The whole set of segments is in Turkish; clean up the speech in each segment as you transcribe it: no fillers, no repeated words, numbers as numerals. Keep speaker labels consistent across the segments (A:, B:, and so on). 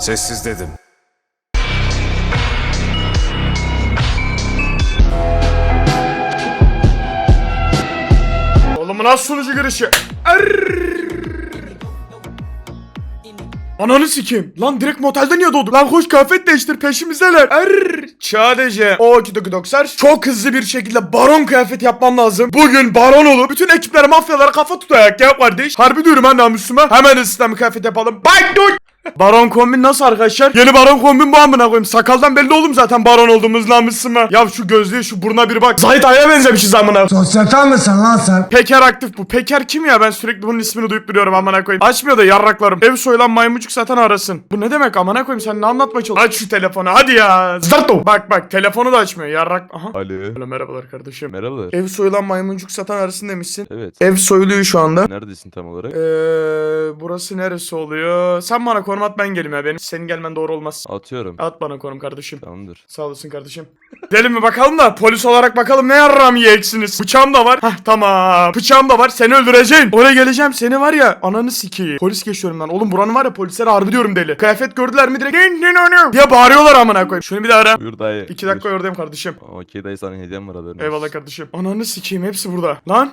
A: Sessiz dedim.
B: Oğlum nasıl sunucu girişi? Ananı sikeyim. Lan direkt motelde niye doğdu? Lan koş kıyafet değiştir peşimizdeler. Sadece o 2.90 çok hızlı bir şekilde baron kıyafet yapmam lazım. Bugün baron olup bütün ekipler mafyalara kafa tutayak ya kardeş. Harbi diyorum ha namusuma. Hemen ısıtma kıyafet yapalım. Bak dur. Baron kombin nasıl arkadaşlar? Yeni baron kombin bu amına koyayım. Sakaldan belli oğlum zaten baron olduğumuz namusuma. Ya şu gözlüğe şu buruna bir bak. Zahit Ay'a benzemişiz amına.
C: Sosyete misin lan sen?
B: Peker aktif bu. Peker kim ya? Ben sürekli bunun ismini duyup duruyorum amına koyayım. Açmıyor da yarraklarım. Ev soyulan maymuncuk zaten arasın. Bu ne demek amına koyayım? Sen ne anlatmaya çalışıyorsun? Aç şu telefonu hadi ya. Zarto. Bak telefonu da açmıyor. Yarrak. Aha.
D: Alo.
B: Alo, merhabalar kardeşim.
D: Merhabalar.
B: Ev soyulan maymuncuk satan arasın demişsin.
D: Evet.
B: Ev soyuluyor şu anda.
D: Neredesin tam olarak?
B: Burası neresi oluyor? Sen bana konum at ben gelim ya. Senin gelmen doğru olmaz.
D: Atıyorum.
B: At bana konum kardeşim.
D: Tamamdır.
B: Sağ olasın kardeşim. Gidelim mi bakalım da polis olarak bakalım ne yarram yiyeceksiniz. Bıçağım da var. Hah tamam. Bıçağım da var. Seni öldüreceğim. Oraya geleceğim. Seni var ya ananı sikeyim. Polis geçiyorum lan. Oğlum buranın var ya polislere harbi diyorum deli. Kıyafet gördüler mi direkt diye bağırıyorlar amına koyayım. Şunu bir daha ara.
D: Buyur dayı.
B: 2 dakika oradayım kardeşim.
D: Okey dayı, sana hediyem var haberin.
B: Eyvallah kardeşim. Ananı sikeyim hepsi burada. Lan.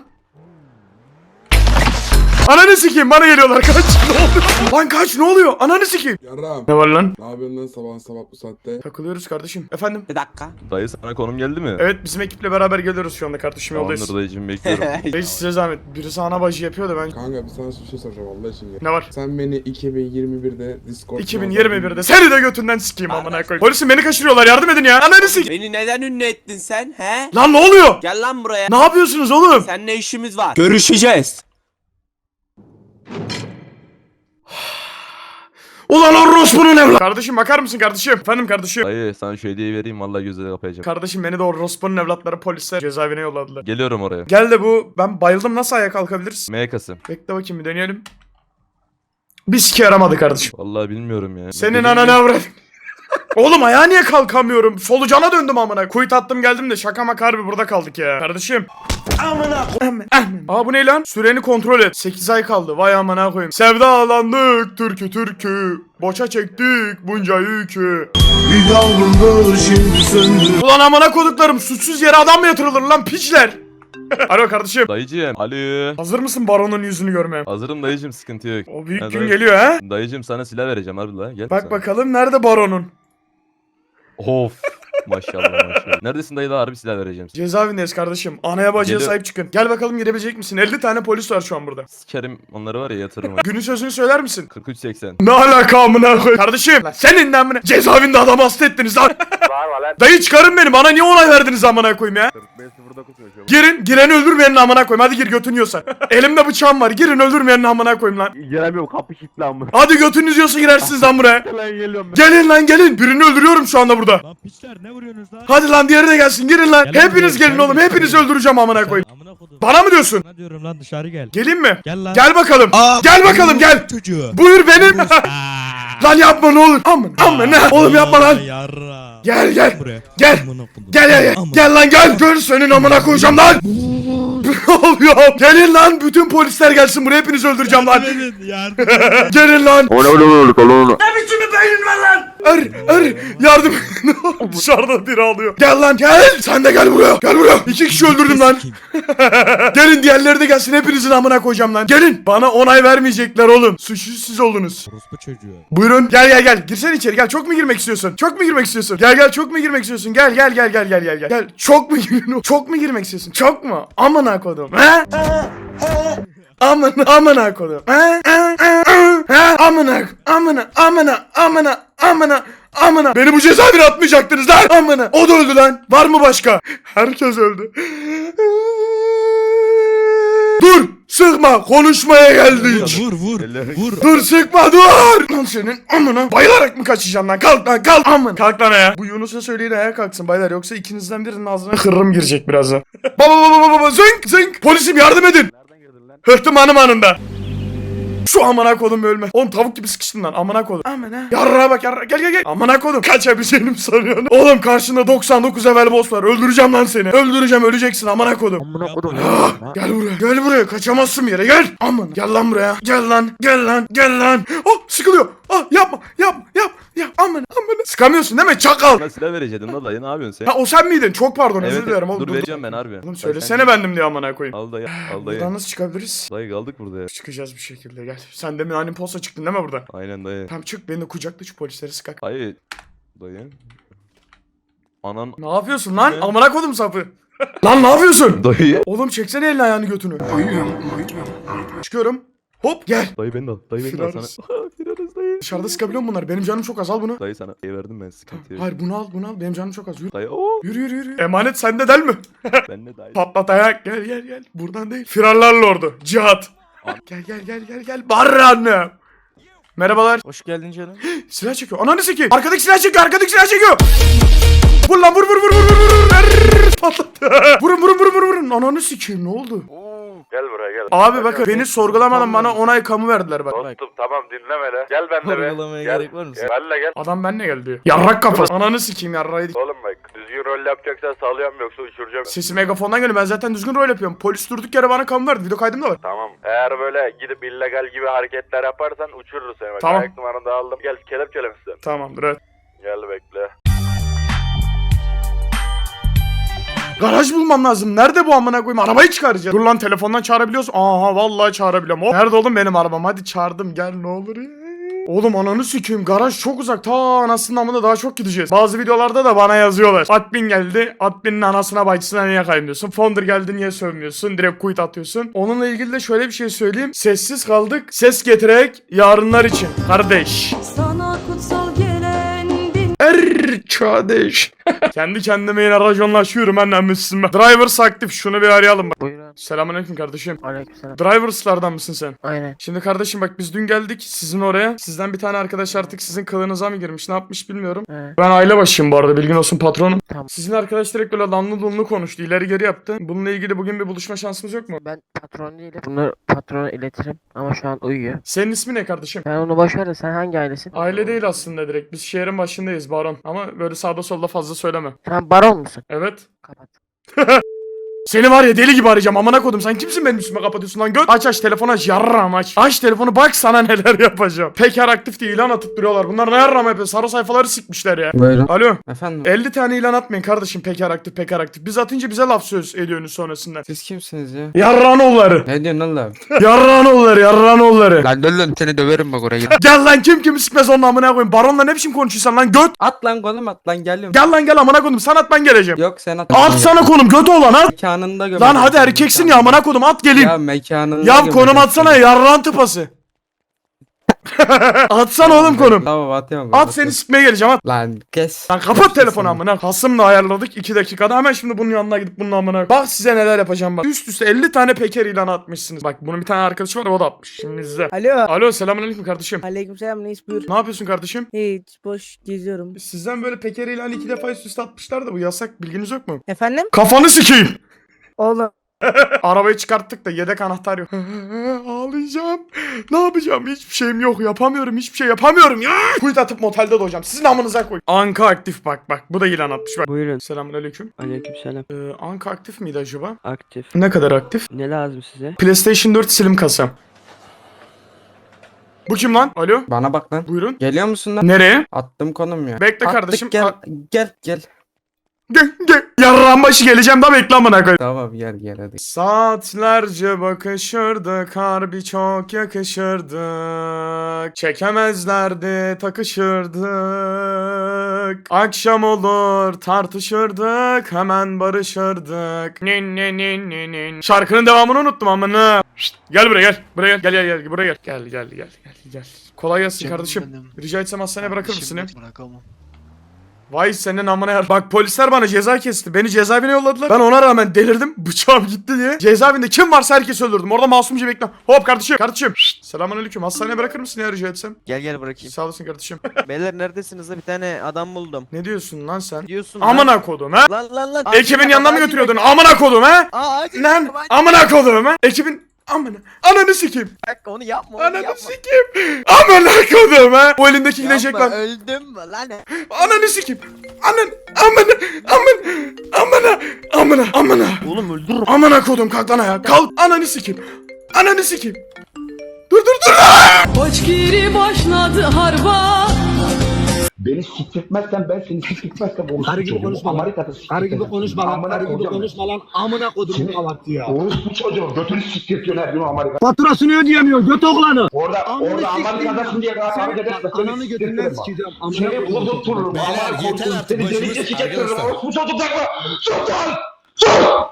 B: Ananı sikeyim bana geliyorlar kaç. Ne oluyor? Lan kaç ne oluyor? Ananı sikeyim.
C: Yarram.
B: Ne var lan?
C: Ne yapıyorsun lan sabah bu saatte?
B: Takılıyoruz kardeşim. Efendim?
E: Bir dakika.
D: Dayı sana konum geldi mi?
B: Evet bizim ekiple beraber geliyoruz şu anda kardeşim yoldayız.
D: Tamamdır dayıcım, bekliyorum.
B: Reis size zahmet. Birisi ana bacı yapıyor da ben...
C: Kanka bir sana bir şey soracağım Allah için ya.
B: Ne var?
C: Sen beni 2021'de Discord
B: 2021'de seni de götünden sikeyim amına koyayım. Polisim beni kaçırıyorlar yardım edin ya. Ananı sik.
E: Beni neden ünlü ettin sen he?
B: Lan ne oluyor?
E: Gel lan buraya.
B: Ne yapıyorsunuz oğlum?
E: Seninle işimiz var. Görüşeceğiz.
B: Ulan orospunun evladı. Kardeşim bakar mısın kardeşim? Efendim kardeşim.
D: Dayı sana şu hediyeyi vereyim, vallahi gözleri kapayacağım.
B: Kardeşim beni de orospunun evlatları polisler cezaevine yolladılar.
D: Geliyorum oraya.
B: Gel de bu ben bayıldım nasıl ayağa kalkabiliriz?
D: MK'sı.
B: Bekle bakayım bir deneyelim. Bir sike yaramadı kardeşim.
D: Vallahi bilmiyorum ya.
B: Senin ananı avrat. Oğlum ayağa niye kalkamıyorum? Solucana döndüm amına. Kuyut attım geldim de şaka maka harbi burada kaldık ya. Kardeşim. Amına. Aa bu ne lan? Süreni kontrol et. 8 ay kaldı. Vay amına koyayım. Sevdalandık türkü. Boşa çektik bunca yükü. Bir yavruldu şimdi söndü. Ulan amına koduklarım suçsuz yere adam mı yatırılır lan piçler? Alo kardeşim.
D: Dayıcım. Alo.
B: Hazır mısın baronun yüzünü görmeye?
D: Hazırım dayıcım, sıkıntı yok.
B: O büyük
D: Ya
B: gün
D: dayı-
B: geliyor ha?
D: Dayıcım sana silah vereceğim harbi la. Gel
B: Bak
D: sen.
B: bakalım nerede baronun?
D: Of. Maşallah. Neredesin dayı, da harbi silah vereceğim.
B: Cezaevindeyiz kardeşim. Anaya bacıya
D: Geliyor.
B: sahip çıkın. Gel bakalım girebilecek misin? 50 tane polis var şu an burada.
D: Sikerim onları var ya, yatırırım.
B: Günün sözünü söyler misin?
D: 43.80.
B: Ne alaka amına koy. Kardeşim lan senin de amına. Cezaevinde adam hasta ettiniz lan.
F: Bağırma lan.
B: Dayı çıkarın beni. Bana niye onay verdiniz amına koyayım ya? Girin. Gireni öldürmeyenin amına koyayım. Hadi gir götün yiyorsa. Elimde bıçağım var. Girin öldürmeyenin amına koyayım lan.
F: Giremiyorum, kapı kilitli amma.
B: Hadi götünüz yiyorsa girersiniz lan buraya.
F: Lan geliyorum ben.
B: Gelin lan gelin. Birini öldürüyorum şu anda burada.
G: Lan piçler ne vuruyorsunuz lan?
B: Hadi lan diğeri de gelsin. Girin lan.
G: Gel lan
B: Hepiniz
G: buraya,
B: gelin
G: gel
B: oğlum.
G: buraya.
B: Hepinizi öldüreceğim amına koyayım.
G: Amına kodum.
B: Bana mı diyorsun?
G: Ne diyorum lan, dışarı gel.
B: Gelin mi?
G: Gel lan.
B: Gel bakalım. Gel bakalım gel.
G: Çocuğu.
B: Buyur benim. Lan yapma ne olur. Aman ne? Oğlum yapma lan.
G: Yarra.
B: Gel.
G: Buraya.
B: Gel.
G: Amına kodum.
B: Gel.
G: Amına.
B: Gel lan gel. Gör senin amına koyacağım lan. Ne oluyor? Gelin lan. Bütün polisler gelsin buraya. Hepinizi öldüreceğim lan.
G: Yardım edin, yardım edin.
B: Gelin lan.
F: Oğlum.
B: Yardım. Dışarıda biri ağlıyor. Gel lan gel. Sen de gel buraya. Gel buraya. 2 kişi öldürdüm lan. Gelin diğerleri de gelsin. Hepinizin amına koyacağım lan. Gelin. Bana onay vermeyecekler oğlum. Suçsuz siz oldunuz.
G: Orospu çocuğu.
B: Buyurun. Gel. Girsene içeri. Gel. Çok mu girmek istiyorsun? Çok mu girmek istiyorsun? Gel. Çok mu girmek istiyorsun? Gel. Gel. Çok mu girmek istiyorsun? Çok mu? Amına kodum. He? Amına kodum. He? Amına. Beni bu cezaevine atmayacaktınız lan. Amına. O da öldü lan. Var mı başka? Herkes öldü. Dur. Sıkma. Konuşmaya geldik.
G: Vur.
B: Dur sıkma dur. Lan senin amına. Bayılarak mı kaçacağım lan? Kalk lan kalk. Amın. Kalk lan ayağa. Bu Yunus'a söyleyin ayağa kalksın baylar. Yoksa ikinizden birinin ağzına hırrım girecek birazdan. Baba. Zınk. Polisim yardım edin. Hırtım hanım anında. Şu amına kodum ölme. Oğlum tavuk gibi sıkıştın lan amına kodum. Amına. Yarrağa bak yarrağa. Gel. Amına kodum. Kaçabileceğini sanıyorsun? Oğlum karşında 99 level boss var. Öldüreceğim lan seni. Öldüreceğim öleceksin amına kodum.
F: Amına kodum.
B: Gel buraya. Kaçamazsın bir yere gel. Aman gel lan buraya. Gel lan. Oh sıkılıyor. yapma. Aman. Sıkamıyorsun değil mi çakal?
D: Bana silah verecektin la dayı, ne yapıyorsun sen?
B: Ha o sen miydin? Çok pardon özür dilerim oğlum.
D: dur vereceğim ben harbi.
B: Oğlum söylesene bendim diye amına koyayım.
D: Al dayı, al dayı.
B: Buradan nasıl çıkabiliriz?
D: Dayı kaldık burada ya.
B: Çıkacağız bir şekilde gel. Sen de mühendim posta çıktın değil mi burada?
D: Aynen dayı.
B: Tamam çık beni de kucakla şu polisleri sıkak.
D: Dayı. Dayı. Anan.
B: Ne yapıyorsun lan?
D: Ne?
B: Amına kodum sapı. Lan ne yapıyorsun?
D: Dayı.
B: Oğlum çeksene elini ayağını götünü. Çıkıyorum. Hop gel.
D: Dayı beni de al. Dayı beni de al sana.
B: Firarız.
D: Firarız dayı.
B: Dışarıda sıkabiliyor musun bunları? Benim canım çok az al bunu.
D: Dayı sana verdim ben sıkıntı yok.
B: Hayır bunu al. Benim canım çok az. Yürü.
D: Dayı ooo.
B: Yürü. Emanet sende del mi?
D: Ben de dayı.
B: Patlat ayak. Gel. Buradan değil. Firarlar lordu. Cihat. Gel. Barra anne. Merhabalar.
E: Hoş geldin canım.
B: Silah çekiyor. Ananı sikeyim. Arkadaki silah çekiyor. Vur lan vur. Patlattı. Vurun. Ananı sikeyim ne oldu?
F: Gel buraya gel.
B: Abi bakın beni sorgulamadan bana onay kamu verdiler bak.
F: Dostum tamam dinlemele. Gel benimle be.
E: Sorgulamaya
F: Gel.
E: gerek var mı?
F: Benle gel.
B: Adam benimle gel diyor. Yarrak kafası. Ananı sikeyim yarraydı.
F: Oğlum bak düzgün rol yapacaksan sağlıyorum yoksa uçuracağım.
B: Sesi megafondan geliyor. Ben zaten düzgün rol yapıyorum. Polis durduk yere bana kamu verdi. Video kaydım da var.
F: Tamam. Eğer böyle gidip illegal gibi hareketler yaparsan uçururuz seni. Bak,
B: Tamam.
F: ayak numaranı da aldım. Gel kelepçelemişsin.
B: Tamamdır evet.
F: Gel bekle.
B: Garaj bulmam lazım. Nerede bu amına koyayım? Arabayı çağıracağım. Dur lan telefondan çağırabiliyorsun. Aha vallahi çağırabiliyorum. Hop. Nerede oğlum benim arabam? Hadi çağırdım gel ne olur ya. Oğlum ananı sikeyim. Garaj çok uzak. Ta anasının amına daha çok gideceğiz. Bazı videolarda da bana yazıyorlar. Admin geldi. Adminin anasına bacısına niye kaymıyorsun? Founder geldi niye sövmüyorsun? Direkt quit atıyorsun. Onunla ilgili de şöyle bir şey söyleyeyim. Sessiz kaldık. Ses getirerek yarınlar için. Kardeş.
A: Sana kutsal gelen bin
B: Kardeş. Kendi kendime yine rajonlaşıyorum annem Müslüman. Drivers aktif şunu bir arayalım bak.
H: Buyurun.
B: Selamünaleyküm kardeşim.
H: Aleykümselam.
B: Drivers'lardan mısın sen?
H: Aynen.
B: Şimdi kardeşim bak biz dün geldik sizin oraya. Sizden bir tane arkadaş artık sizin kılığınıza mı girmiş ne yapmış bilmiyorum.
H: Evet.
B: Ben aile başıyım bu arada bilgin olsun patronum.
H: Tamam.
B: Sizin arkadaş direkt böyle lanlı dunlu konuştu ileri geri yaptı. Bununla ilgili bugün bir buluşma şansımız yok mu?
H: Ben patron değilim. Bunu patrona iletirim ama şu an uyuyor.
B: Senin ismi ne kardeşim?
H: Ben onu boş ver de sen hangi ailesin?
B: Aile değil aslında direkt. Biz şehrin başındayız baron. Ama böyle sağda solda fazla söyleme.
H: Sen baron musun?
B: Evet.
H: Kapat.
B: Seni var ya deli gibi arayacağım amına kodum. Sen kimsin benim üstüme kapatıyorsun lan göt? Aç telefonu aç yarram aç. Aç telefonu bak sana neler yapacağım. Peker aktif diye ilan atıp duruyorlar. Bunlar ne yarram yapıyor? Sarı sayfaları sikmişler ya.
C: Buyurun.
B: Alo.
C: Efendim
B: 50 tane ilan atmayın kardeşim peker aktif. Biz atınca bize laf söz ediyorsunuz sonrasında.
C: siz kimsiniz ya?
B: Yarranoğulları.
C: Ne diyorsun oğlum?
B: Yarranoğulları.
C: Lan dur seni döverim bak oraya.
B: Gel lan kim kimi sikmez onun amına koyayım. Baronla ne biçim konuşuyorsun lan göt.
C: At lan kolum at lan geliyorum.
B: Gel lan gel amına koydum. Sen at ben geleceğim.
C: Yok sen at.
B: At sana konum göt olan at.
C: Mekanında gömer.
B: Lan hadi erkeksin ya amına koydum at geleyim.
C: Ya mekanında
B: Ya
C: gömer.
B: konum atsana yarran tıpası. Atsana oğlum konum.
C: Tamam atıyorum.
B: At seni sikmeye geleceğim at.
C: Lan kes.
B: Lan kapat telefonu amına. Hasımla ayarladık 2 dakikada hemen şimdi bunun yanına gidip bunun amına. Bak size neler yapacağım bak. Üst üste 50 tane peker ilanı atmışsınız. Bak bunun bir tane arkadaşı var o da atmış. Şimdi izle.
I: Alo.
B: Alo selamünaleyküm kardeşim.
I: Aleykümselam reis buyur.
B: Ne yapıyorsun kardeşim?
I: Hiç boş geziyorum.
B: Sizden böyle peker ilanı 2 defa üst üste atmışlar da bu yasak bilginiz yok mu?
I: Efendim?
B: Kafanı sikeyim.
I: Oğlum.
B: Arabayı çıkarttık da yedek anahtar yok. Ağlayacağım. Ne yapacağım? Hiçbir şeyim yok. Yapamıyorum. Hiçbir şey yapamıyorum ya. Kuyut atıp motelde doğacağım. Sizin amınıza koy. Anka aktif bak. Bu da ilan atmış bak.
J: Buyurun.
B: Selamünaleyküm.
J: Aleykümselam.
B: Anka aktif miydi acaba?
J: Aktif.
B: Ne kadar aktif?
J: Ne lazım size?
B: PlayStation 4 silim kasam. Bu kim lan? Alo?
C: Bana bak lan.
B: Buyurun.
C: Geliyor musun lan?
B: Nereye?
C: Attım konum ya.
B: Bekle
C: Attık,
B: kardeşim.
C: Gel gel.
B: Gel. Yarrağın başı geleceğim da bekle amına koy.
C: Tamam gel hadi.
B: Saatlerce bakışırdık, harbi çok yakışırdık. Çekemezlerdi, takışırdık. Akşam olur, tartışırdık, hemen barışırdık. Nin. Şarkının devamını unuttum amına. Şşt, gel buraya gel. Buraya gel. Buraya gel. Gel. Kolay gelsin kardeşim. Rica etsem hastaneye bırakır mısın ya?
G: Bırakamam.
B: Vay senin amına yar. Bak polisler bana ceza kesti. Beni cezaevine yolladılar. Ben ona rağmen delirdim. Bıçağım gitti diye. Cezaevinde kim varsa herkesi öldürdüm. Orada masumca bekle. Hop kardeşim. Selamünaleyküm. Hastaneye bırakır mısın ya rica etsem?
E: Gel bırakayım.
B: Sağ olasın kardeşim.
E: Beyler neredesiniz da bir tane adam buldum.
B: Ne diyorsun lan sen?
E: Diyorsun
B: Amına kodum ha?
E: Lan.
B: Ekibin yanına mı götürüyordun? Amına kodum ha? Lan amına kodum ha? Ekibin ananı sikeyim.
E: Onu yapma
B: Ananı sikeyim. Amına kodum ha? Bu elindeki gidecek lan.
E: Öldüm mü lan?
B: Ananı sikeyim. Amına.
E: Oğlum öldürürüm.
B: Amına kodum kalk lan ayağa. Kalk. Ananı sikeyim.
A: Koçgiri başladı harba.
J: Beni siktirtmezsen ben seni siktirtmezsem
K: Karı gibi konuşma lan.
J: Amerika'da
K: Karı gibi konuşma lan. Karı gibi konuşma lan. Amına kodumun kavartı ya.
J: Orospu çocuğu götünü siktirtiyorsun her gün Amerika.
K: Faturasını ödeyemiyor göt oğlanı.
J: Orada
K: Amına
J: Amerika'dasın diye
K: sikeyim
J: kavga
K: ya.
J: edersen
K: Seni ananı götünden sikeceğim. Amına
J: Seni
K: kodumun.
J: vurdurtururum.
L: Beyler,
J: Amına
L: yeter
J: koydum.
L: artık,
J: Seni
L: başımız
J: delice sikeceğim.
L: arkadaşlar.
J: Orospu çocuklar. Sus lan. Sus.